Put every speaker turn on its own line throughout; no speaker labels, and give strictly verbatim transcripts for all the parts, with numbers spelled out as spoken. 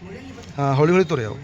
हाँ हौली हौली तुरे आओ।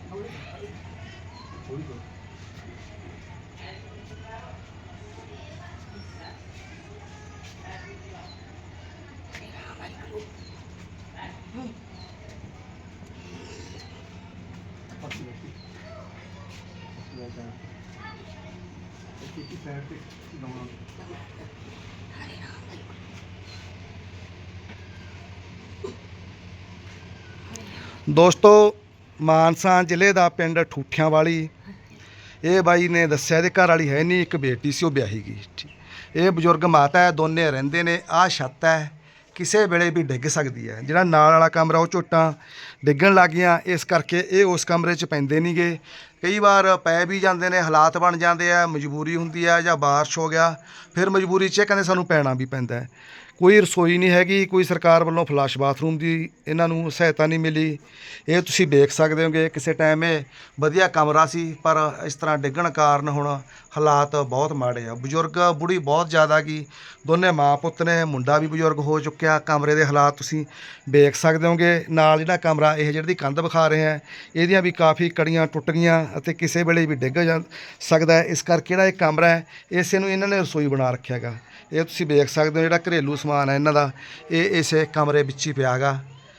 दोस्तों मानसा ਜ਼ਿਲ੍ਹੇ ਦਾ ਪਿੰਡ ਠੂਠਿਆਂ ਵਾਲੀ, ਇਹ ਬਾਈ ਨੇ ਦੱਸਿਆ ਇਹਦੇ ਘਰ ਵਾਲੀ ਹੈ ਨਹੀਂ, ਇੱਕ ਬੇਟੀ ਸੀ ਉਹ ਵਿਆਹੀ ਗਈ। ਇਹ ਬਜ਼ੁਰਗ ਮਾਤਾ ਹੈ, ਦੋਨੇ ਰਹਿੰਦੇ ਨੇ। ਆਹ ਛੱਤ ਹੈ, ਕਿਸੇ ਵੇਲੇ ਵੀ ਡਿੱਗ ਸਕਦੀ ਹੈ। ਜਿਹੜਾ ਨਾਲ ਵਾਲਾ ਕਮਰਾ ਉਹ ਝੋਟਾਂ ਡਿੱਗਣ ਲੱਗ ਗਈਆਂ, ਇਸ ਕਰਕੇ ਇਹ ਉਸ ਕਮਰੇ 'ਚ ਪੈਂਦੇ ਨਹੀਂਗੇ। ਕਈ ਵਾਰ ਪੈ ਵੀ ਜਾਂਦੇ ਨੇ, ਹਾਲਾਤ ਬਣ ਜਾਂਦੇ ਆ, ਮਜਬੂਰੀ ਹੁੰਦੀ ਹੈ ਜਾਂ ਬਾਰਿਸ਼ ਹੋ ਗਿਆ, ਫਿਰ ਮਜਬੂਰੀ 'ਚ ਕਹਿੰਦੇ ਸਾਨੂੰ ਪੈਣਾ ਵੀ ਪੈਂਦਾ ਹੈ। ਕੋਈ ਰਸੋਈ ਨਹੀਂ ਹੈਗੀ, ਕੋਈ ਸਰਕਾਰ ਵੱਲੋਂ ਫਲੱਸ਼ ਬਾਥਰੂਮ ਦੀ ਇਹਨਾਂ ਨੂੰ ਸਹਾਇਤਾ ਨਹੀਂ ਮਿਲੀ। ਇਹ ਤੁਸੀਂ ਦੇਖ ਸਕਦੇ ਹੋਗੇ, ਕਿਸੇ ਟਾਈਮ ਇਹ ਵਧੀਆ ਕਮਰਾ ਸੀ, ਪਰ ਇਸ ਤਰ੍ਹਾਂ ਡਿੱਗਣ ਕਾਰਨ ਹੁਣ ਹਾਲਾਤ ਬਹੁਤ ਮਾੜੇ ਆ। ਬਜ਼ੁਰਗ ਬੁੜੀ ਬਹੁਤ ਜ਼ਿਆਦਾ ਗਈ, ਦੋਨੇ ਮਾਂ ਪੁੱਤ ਨੇ, ਮੁੰਡਾ ਵੀ ਬਜ਼ੁਰਗ ਹੋ ਚੁੱਕਿਆ। ਕਮਰੇ ਦੇ ਹਾਲਾਤ ਤੁਸੀਂ ਦੇਖ ਸਕਦੇ ਹੋਗੇ। ਨਾਲ ਜਿਹੜਾ ਕਮਰਾ ਇਹ ਜਿਹੜੀ ਕੰਧ ਵਿਖਾ ਰਹੇ ਆ, ਇਹਦੀਆਂ ਵੀ ਕਾਫੀ ਕੜੀਆਂ ਟੁੱਟ ਗਈਆਂ ਅਤੇ ਕਿਸੇ ਵੇਲੇ ਵੀ ਡਿੱਗ ਜਾ ਸਕਦਾ ਹੈ। ਇਸ ਕਰਕੇ ਜਿਹੜਾ ਇਹ ਕਮਰਾ ਹੈ, ਇਸੇ ਨੂੰ ਇਹਨਾਂ ਨੇ ਰਸੋਈ ਬਣਾ ਰੱਖਿਆ ਗਾ। ਇਹ ਤੁਸੀਂ ਦੇਖ ਸਕਦੇ ਹੋ, ਜਿਹੜਾ ਘਰੇਲੂ ਸਮਾਨ ਹੈ ਇਹਨਾਂ ਦਾ, ਇਹ ਇਸੇ ਕਮਰੇ ਵਿੱਚ ਹੀ ਪਿਆ ਗਾ।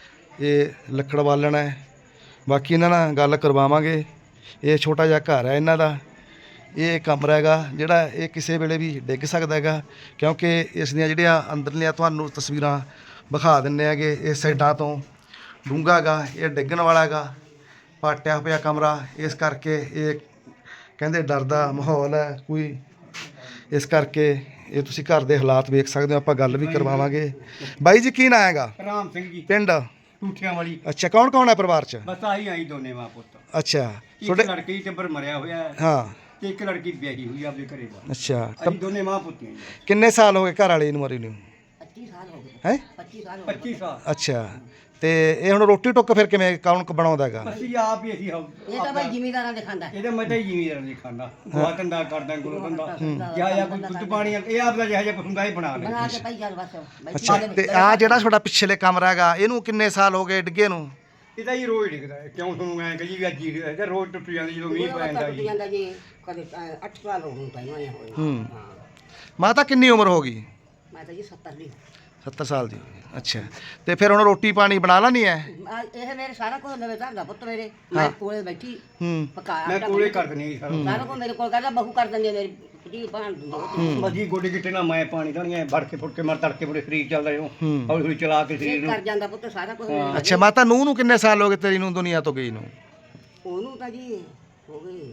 ਇਹ ਲੱਕੜ ਬਾਲਣ ਹੈ। ਬਾਕੀ ਇਹਨਾਂ ਨਾਲ ਗੱਲ ਕਰਵਾਵਾਂਗੇ। ਇਹ ਛੋਟਾ ਜਿਹਾ ਘਰ ਹੈ ਇਹਨਾਂ ਦਾ। ਇਹ ਕਮਰਾ ਹੈਗਾ ਜਿਹੜਾ ਇਹ ਕਿਸੇ ਵੇਲੇ ਵੀ ਡਿੱਗ ਸਕਦਾ ਹੈਗਾ, ਕਿਉਂਕਿ ਇਸ ਦੀਆਂ ਜਿਹੜੀਆਂ ਅੰਦਰਲੀਆਂ ਤੁਹਾਨੂੰ ਤਸਵੀਰਾਂ ਵਿਖਾ ਦਿੰਦੇ ਹੈਗੇ। ਇਸ ਸਾਈਡਾਂ ਤੋਂ ਡੂੰਘਾ ਗਾ, ਇਹ ਡਿੱਗਣ ਵਾਲਾ ਹੈਗਾ, ਪਾਟਿਆ ਪਿਆ ਕਮਰਾ। ਇਸ ਕਰਕੇ ਇਹ ਕਹਿੰਦੇ ਡਰ ਦਾ ਮਾਹੌਲ ਹੈ ਕੋਈ, ਇਸ ਕਰਕੇ ਇਹ ਤੁਸੀਂ ਘਰ ਦੇ ਹਾਲਾਤ ਵੇਖ ਸਕਦੇ ਹੋ। ਆਪਾਂ ਗੱਲ ਵੀ ਕਰਵਾਵਾਂਗੇ। ਬਾਈ ਜੀ ਕੀ ਨਾਂ ਹੈਗਾ?
ਰਾਮ ਸਿੰਘ ਜੀ,
ਪਿੰਡ
ਠੂਠਿਆਂ ਵਾਲੀ।
ਅੱਛਾ, ਕੌਣ ਕੌਣ ਹੈ ਪਰਿਵਾਰ 'ਚ?
ਬਸ ਆਹੀ ਆਈ ਦੋਨੇ ਮਾਂ ਪੁੱਤ।
ਅੱਛਾ,
ਇੱਕ
ਤੁਹਾਡੇ
ਲੜਕੀ ਟੱਬਰ ਮਰਿਆ ਹੋਇਆ ਹੈ
ਹਾਂ,
ਤੇ ਇੱਕ ਲੜਕੀ ਵਿਆਹੀ ਹੋਈ ਆਪਦੇ ਘਰੇ ਦਾ।
ਅੱਛਾ।
ਅਸੀਂ ਦੋਨੇ ਮਾਂ ਪੁੱਤੀਆਂ ਜੀ।
ਕਿੰਨੇ ਸਾਲ ਹੋ ਗਏ ਘਰ ਵਾਲੀ ਨੂੰ ਮਰੀ ਨੂੰ?
ਪੱਚੀ ਸਾਲ ਹੋ ਗਏ।
ਹੈ
ਪੱਚੀ ਸਾਲ ਹੋ ਗਏ।
ਪੱਚੀ ਸਾਲ।
ਅੱਛਾ, ਤੇ ਇਹ ਹੁਣ ਰੋਟੀ ਟੁੱਕ ਫਿਰ ਕਿਵੇਂ ਕੌਣ ਬਣਾਉਂਦਾ ਹੈਗਾ?
ਅਸੀਂ ਆਪ ਹੀ ਅਸੀਂ
ਇਹ ਤਾਂ ਭਾਈ ਜ਼ਿਮੀਦਾਰਾਂ ਦੇ ਖਾਂਦਾ।
ਇਹਦੇ ਮੈਂ ਤਾਂ ਜ਼ਿਮੀਦਾਰ ਨਹੀਂ ਖਾਂਦਾ, ਗੋਹਾ ਧੰਦਾ ਕਰਦਾ, ਗੁਰੂ ਧੰਦਾ ਜਾਂ ਜਾਂ ਕੋਈ ਦੁੱਧ ਪਾਣੀ, ਇਹ ਆਪ ਦਾ ਜਿਹੜਾ ਜਿਹਾ ਕੁਛ ਹੁੰਦਾ ਇਹ ਬਣਾ ਲੈ।
ਬਣਾ ਕੇ ਭਾਈ ਚੱਲ ਬਸ ਭਾਈ
ਅੱਛਾ, ਤੇ ਆ ਜਿਹੜਾ ਤੁਹਾਡਾ ਪਿਛਲੇ ਕਮਰਾ ਹੈਗਾ, ਇਹਨੂੰ ਕਿੰਨੇ ਸਾਲ ਹੋ ਗਏ ਡਿੱਗੇ ਨੂੰ?
ਇਹਦਾ ਹੀ ਰੋਜ਼ ਡਿੱਗਦਾ ਹੈ। ਕਿਉਂ ਤੁਹਾਨੂੰ ਐਂ ਕਹੀ ਵੀ ਅੱਜ ਹੀ ਇਹ ਰੋਜ਼ ਟੁੱਟ ਜਾਂਦੀ ਜਦੋਂ ਮੀਂਹ ਪੈਂਦਾ ਜੀ।
ਜਾਂਦਾ ਜੀ ਕਦੇ ਅੱਠ ਸਾਲ ਹੋ ਗਏ ਭਾਈ ਹੋਏ ਹੋਏ।
ਹੂੰ।
ਹਾਂ,
ਮਾਤਾ ਕਿੰਨੀ ਉਮਰ ਹੋ ਗਈ?
ਮੈਂ ਤਾਂ ਜੀ ਸੱਤਰ ਦੀ।
ਸੱਤਰ ਸਾਲ ਦੀ। ਅੱਛਾ, ਤੇ ਫਿਰ ਹੁਣ ਰੋਟੀ ਪਾਣੀ ਬਣਾ ਲੈਣੀ ਹੈ?
ਆ ਇਹ ਮੇਰੇ ਸਾਰਾ ਕੁਝ ਲਵੇ ਧਰਦਾ ਪੁੱਤ ਮੇਰੇ। ਮੈਂ ਕੋਲੇ ਬੈਠੀ
ਹੂੰ।
ਪਕਾਇਆ
ਮੈਂ ਕੋਲੇ ਕਰ ਦਿੰਦੀ ਹਾਂ ਸਾਰਾ।
ਸਾਰਾ ਕੁਝ ਮੇਰੇ ਕੋਲ ਕਰਦਾ, ਬਹੂ ਕਰ ਦਿੰਦੀ ਹੈ ਮੇਰੀ ਜੀ ਭਾਣ ਦਿੰਦੀ।
ਮੱਜੀ ਗੋਡੇ ਗਿੱਟੇ ਨਾਲ ਮੈਂ ਪਾਣੀ ਦਾਣੀਆਂ ਵੜ ਕੇ ਫੁੱਟ ਕੇ ਮਰ ਤੜਕੇ ਬੜੇ ਸਰੀਰ ਚੱਲਦਾ ਜੋ ਹੌਲੀ ਹੌਲੀ ਚਲਾ ਕੇ ਸਰੀਰ ਨੂੰ
ਕਰ ਜਾਂਦਾ ਪੁੱਤ ਸਾਰਾ ਕੁਝ।
ਅੱਛਾ ਮਾਤਾ, ਨੂੰਹ ਨੂੰ ਕਿੰਨੇ ਸਾਲ ਹੋ ਗਏ ਤੇਰੀ ਨੂੰ ਦੁਨੀਆ ਤੋਂ ਗਈ ਨੂੰ?
ਉਹਨੂੰ ਤਾਂ ਜੀ ਹੋ ਗਏ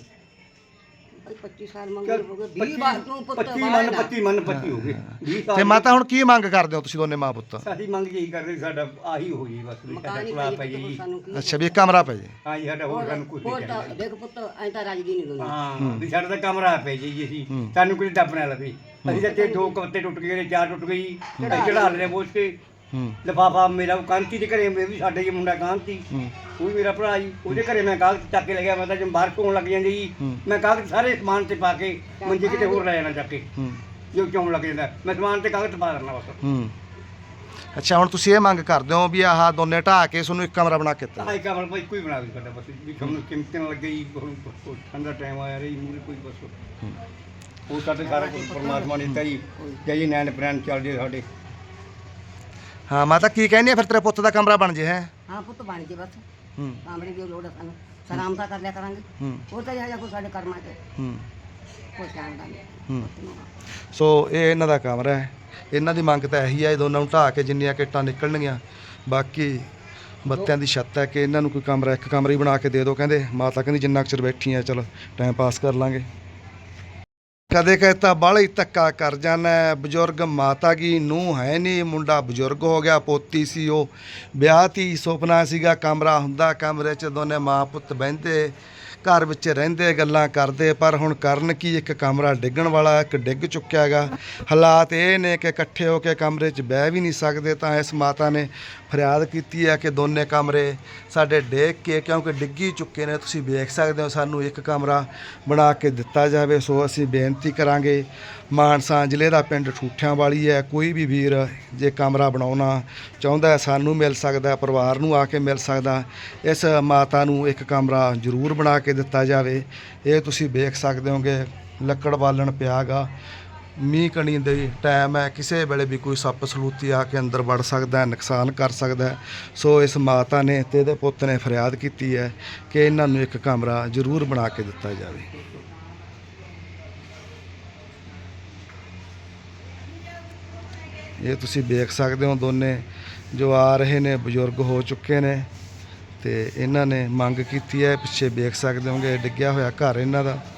ਭਾਈ ਪੱਚੀ ਸਾਲ ਮੰਗੇ ਹੋ ਗਏ। ਵੀਹ ਬਾਰ ਨੂੰ ਪੁੱਤ
ਪੱਚੀ ਮਨ ਪੱਚੀ ਮਨ ਪੱਚੀ ਹੋ ਗਏ ਵੀਹ ਸਾਲ।
ਤੇ ਮਾਤਾ ਹੁਣ ਕੀ ਮੰਗ ਕਰਦੇ ਹੋ ਤੁਸੀਂ ਦੋਨੇ ਮਾਂ ਪੁੱਤ?
ਅਸੀਂ ਮੰਗ ਜਿਹੀ ਕਰਦੇ ਸਾਡਾ ਆਹੀ ਹੋ ਜੀ ਬਸ ਵੀ ਸਾਡਾ
ਮਕਾਨ ਹੀ
ਪੁਲਾ ਪੈ
ਭਾਈ
ਜੀ।
ਪੁੱਤ ਸਾਨੂੰ ਕੀ।
ਅੱਛਾ, ਵੀ ਇੱਕ ਕਮਰਾ ਪੈ ਜੇ।
ਹਾਂ ਜੀ, ਸਾਡਾ ਹੋਰ ਸਾਨੂੰ ਕੁਝ
ਹੋਰ
ਨਹੀਂ
ਤਾਂ
ਚਾਹੀਦਾ।
ਦੇਖ ਪੁੱਤ ਐਂ ਤਾਂ ਰਾਜਦੀ ਨਹੀਂ ਦੁਨੀਆ।
ਹਾਂ ਵੀ ਸਾਡਾ ਤਾਂ ਕਮਰਾ ਪੈ ਜੀ ਜੀ ਅਸੀਂ ਸਾਨੂੰ ਕੋਈ ਡੱਬ ਨਾ ਲਵੇ। ਅਸੀਂ ਤਾਂ ਤੇ ਦੋ ਕਵਤੇ ਟੁੱਟ ਗਏ ਨੇ, ਚਾਰ ਟੁੱਟ ਗਈ, ਚੜਾ ਲੈਣੇ ਬੋਝ ਕੇ।
ਹੂੰ।
ਲਿਫਾਫਾ ਮੇਰਾ ਉਹ ਕਾਂਤੀ ਦੇ ਘਰੇ, ਮੈਂ ਵੀ ਸਾਡੇ ਜੀ ਮੁੰਡਾ ਕਾਂਤੀ, ਉਹ ਵੀ ਮੇਰਾ ਭਰਾ ਜੀ, ਉਹਦੇ ਘਰੇ ਮੈਂ ਕਾਗਜ਼ ਚੱਕ ਕੇ ਲੈ ਗਿਆ। ਮੈਂ ਤਾਂ ਜਦ ਬਾਹਰ ਧੋਣ ਲੱਗ ਜਾਂਦੀ ਜੀ, ਮੈਂ ਕਾਗਜ਼ ਸਾਰੇ ਸਮਾਨ ਤੇ ਪਾ ਕੇ ਮੰਜੇ ਕਿਤੇ ਹੋਰ ਲੈ ਜਾਣਾ ਚੱਕ ਕੇ, ਜੋ ਚੌਣ ਲੱਗ ਜਾਂਦਾ ਮੈਂ ਸਮਾਨ ਤੇ ਕਾਗਜ਼ ਪਾ ਦੇਣਾ ਬਸ।
ਹੂੰ। ਅੱਛਾ, ਹੁਣ ਤੁਸੀਂ ਇਹ ਮੰਗ ਕਰਦੇ ਹੋ ਵੀ ਆਹ ਦੋਨੇ ਢਾਹ ਕੇ ਤੁਹਾਨੂੰ ਇੱਕ ਕਮਰਾ ਬਣਾ ਕੇ ਦਿੱਤਾ?
ਆਹ ਕਮਰਾ ਭਾਈ ਕੋਈ ਬਣਾ ਦੇ ਸਾਡਾ ਬਸ, ਵੀ ਤੁਹਾਨੂੰ ਕਿੰਮਤ ਨਾ ਲੱਗੇ ਜੀ। ਠੰਡਾ ਟਾਈਮ ਆਇਆ ਰਹੀ ਮੂਰੇ ਕੋਈ ਬਸ ਉਹ ਸਾਡੇ ਸਾਰਾ ਕੁਝ ਪਰਮਾਤਮਾ ਨੇ ਦਿੱਤਾ ਜੀ। ਜੈ ਨੈਣ ਪ੍ਰੈਣ ਚੱਲਦੇ ਸਾਡੇ।
ਹਾਂ ਮਾਤਾ, ਕੀ ਕਹਿੰਦੀ ਆ ਫਿਰ ਤੇਰੇ ਪੁੱਤ ਦਾ ਕਮਰਾ ਬਣ ਜੇ? ਹੈ
ਹਾਂ ਪੁੱਤ ਬਣ ਜੇ ਬਸ।
ਹੂੰ।
ਕਾਮਰੇ ਦੀ ਲੋੜ ਆ ਸਾਨੂੰ, ਸਲਾਮ ਤਾਂ ਕਰ ਲਿਆ ਕਰਾਂਗੇ।
ਹੂੰ।
ਉਹ ਤਾਂ ਜਿਹੜਾ ਕੋਈ ਸਾਡੇ ਕਰਮਾਂ 'ਚ
ਹੂੰ।
ਕੋਈ ਸ਼ਾਨ ਦਾ ਨਹੀਂ।
ਹੂੰ। ਸੋ ਇਹ ਇਹਨਾਂ ਦਾ ਕਮਰਾ ਹੈ। ਇਹਨਾਂ ਦੀ ਮੰਗ ਤਾਂ ਇਹੀ ਹੈ, ਇਹ ਦੋਨਾਂ ਨੂੰ ਢਾਹ ਕੇ ਜਿੰਨੀਆਂ ਕਿੱਟਾਂ ਨਿਕਲਣਗੀਆਂ, ਬਾਕੀ ਬੱਤਿਆਂ ਦੀ ਛੱਤ ਹੈ ਕਿ ਇਹਨਾਂ ਨੂੰ ਕੋਈ ਕਮਰਾ, ਇੱਕ ਕਮਰਾ ਹੀ ਬਣਾ ਕੇ ਦੇ ਦਿਓ। ਕਹਿੰਦੇ ਮਾਤਾ ਕਹਿੰਦੀ ਜਿੰਨਾ ਕੁ ਚਿਰ ਬੈਠੀ ਆ ਚਲ ਟਾਈਮ ਪਾਸ ਕਰ ਲਾਂਗੇ। ਕਦੇ ਕਹਿਤਾ ਬਾਹਲਾ ਹੀ ਧੱਕਾ ਕਰ ਜਾਣਾ। ਬਜ਼ੁਰਗ ਮਾਤਾ ਕੀ ਨੂੰਹ ਹੈ ਨਹੀਂ, ਮੁੰਡਾ ਬਜ਼ੁਰਗ ਹੋ ਗਿਆ, ਪੋਤੀ ਸੀ ਉਹ ਵਿਆਹ ਤੀ, ਸੁਪਨਾ ਸੀਗਾ ਕਮਰਾ ਹੁੰਦਾ, ਕਮਰੇ 'ਚ ਦੋਨੇ ਮਾਂ ਪੁੱਤ ਬਹਿੰਦੇ, ਘਰ ਵਿੱਚ ਰਹਿੰਦੇ, ਗੱਲਾਂ ਕਰਦੇ, ਪਰ ਹੁਣ ਕਰਨ ਕੀ, ਇੱਕ ਕਮਰਾ ਡਿੱਗਣ ਵਾਲਾ, ਇੱਕ ਡਿੱਗ ਚੁੱਕਿਆ ਹੈਗਾ। ਹਾਲਾਤ ਇਹ ਨੇ ਕਿ ਇਕੱਠੇ ਹੋ ਕੇ ਕਮਰੇ 'ਚ ਬਹਿ ਵੀ ਨਹੀਂ ਸਕਦੇ। ਤਾਂ ਇਸ ਮਾਤਾ ਨੇ ਫਰਿਆਦ ਕੀਤੀ ਹੈ ਕਿ ਦੋਨੇ ਕਮਰੇ ਸਾਡੇ ਡਿੱਗ ਕੇ, ਕਿਉਂਕਿ ਡਿੱਗੀ ਚੁੱਕੇ ਨੇ, ਤੁਸੀਂ ਵੇਖ ਸਕਦੇ ਹੋ, ਸਾਨੂੰ ਇੱਕ ਕਮਰਾ ਬਣਾ ਕੇ ਦਿੱਤਾ ਜਾਵੇ। ਸੋ ਅਸੀਂ ਬੇਨਤੀ ਕਰਾਂਗੇ ਮਾਨਸਾ ਜ਼ਿਲ੍ਹੇ ਦਾ ਪਿੰਡ ਠੂਠਿਆਂ ਵਾਲੀ ਹੈ। ਕੋਈ ਵੀ ਵੀਰ ਜੇ ਕਮਰਾ ਬਣਾਉਣਾ ਚਾਹੁੰਦਾ ਹੈ, ਸਾਨੂੰ ਮਿਲ ਸਕਦਾ, ਪਰਿਵਾਰ ਨੂੰ ਆ ਕੇ ਮਿਲ ਸਕਦਾ। ਇਸ ਮਾਤਾ ਨੂੰ ਇੱਕ ਕਮਰਾ ਜ਼ਰੂਰ ਬਣਾ ਕੇ ਦਿੱਤਾ ਜਾਵੇ। ਇਹ ਤੁਸੀਂ ਵੇਖ ਸਕਦੇ ਹੋਗੇ ਲੱਕੜ ਬਾਲਣ ਪਿਆ ਗਾ, ਮੀਂਹ ਕਣੀ ਦੇ ਟਾਈਮ ਹੈ, ਕਿਸੇ ਵੇਲੇ ਵੀ ਕੋਈ ਸੱਪ ਸਲੂਤੀ ਆ ਕੇ ਅੰਦਰ ਵੜ ਸਕਦਾ ਹੈ, ਨੁਕਸਾਨ ਕਰ ਸਕਦਾ ਹੈ। ਸੋ ਇਸ ਮਾਤਾ ਨੇ ਤੇ ਇਹਦੇ ਪੁੱਤ ਨੇ ਫਰਿਆਦ ਕੀਤੀ ਹੈ ਕਿ ਇਹਨਾਂ ਨੂੰ ਇੱਕ ਕਮਰਾ ਜ਼ਰੂਰ ਬਣਾ ਕੇ ਦਿੱਤਾ ਜਾਵੇ। ਇਹ ਤੁਸੀਂ ਵੇਖ ਸਕਦੇ ਹੋ ਦੋਨੇ ਜੋ ਆ ਰਹੇ ਨੇ ਬਜ਼ੁਰਗ ਹੋ ਚੁੱਕੇ ਨੇ ਤੇ ਇਹਨਾਂ ਨੇ ਮੰਗ ਕੀਤੀ ਹੈ। ਪਿੱਛੇ ਵੇਖ ਸਕਦੇ ਹੋਗੇ ਡਿੱਗਿਆ ਹੋਇਆ ਘਰ ਇਹਨਾਂ ਦਾ।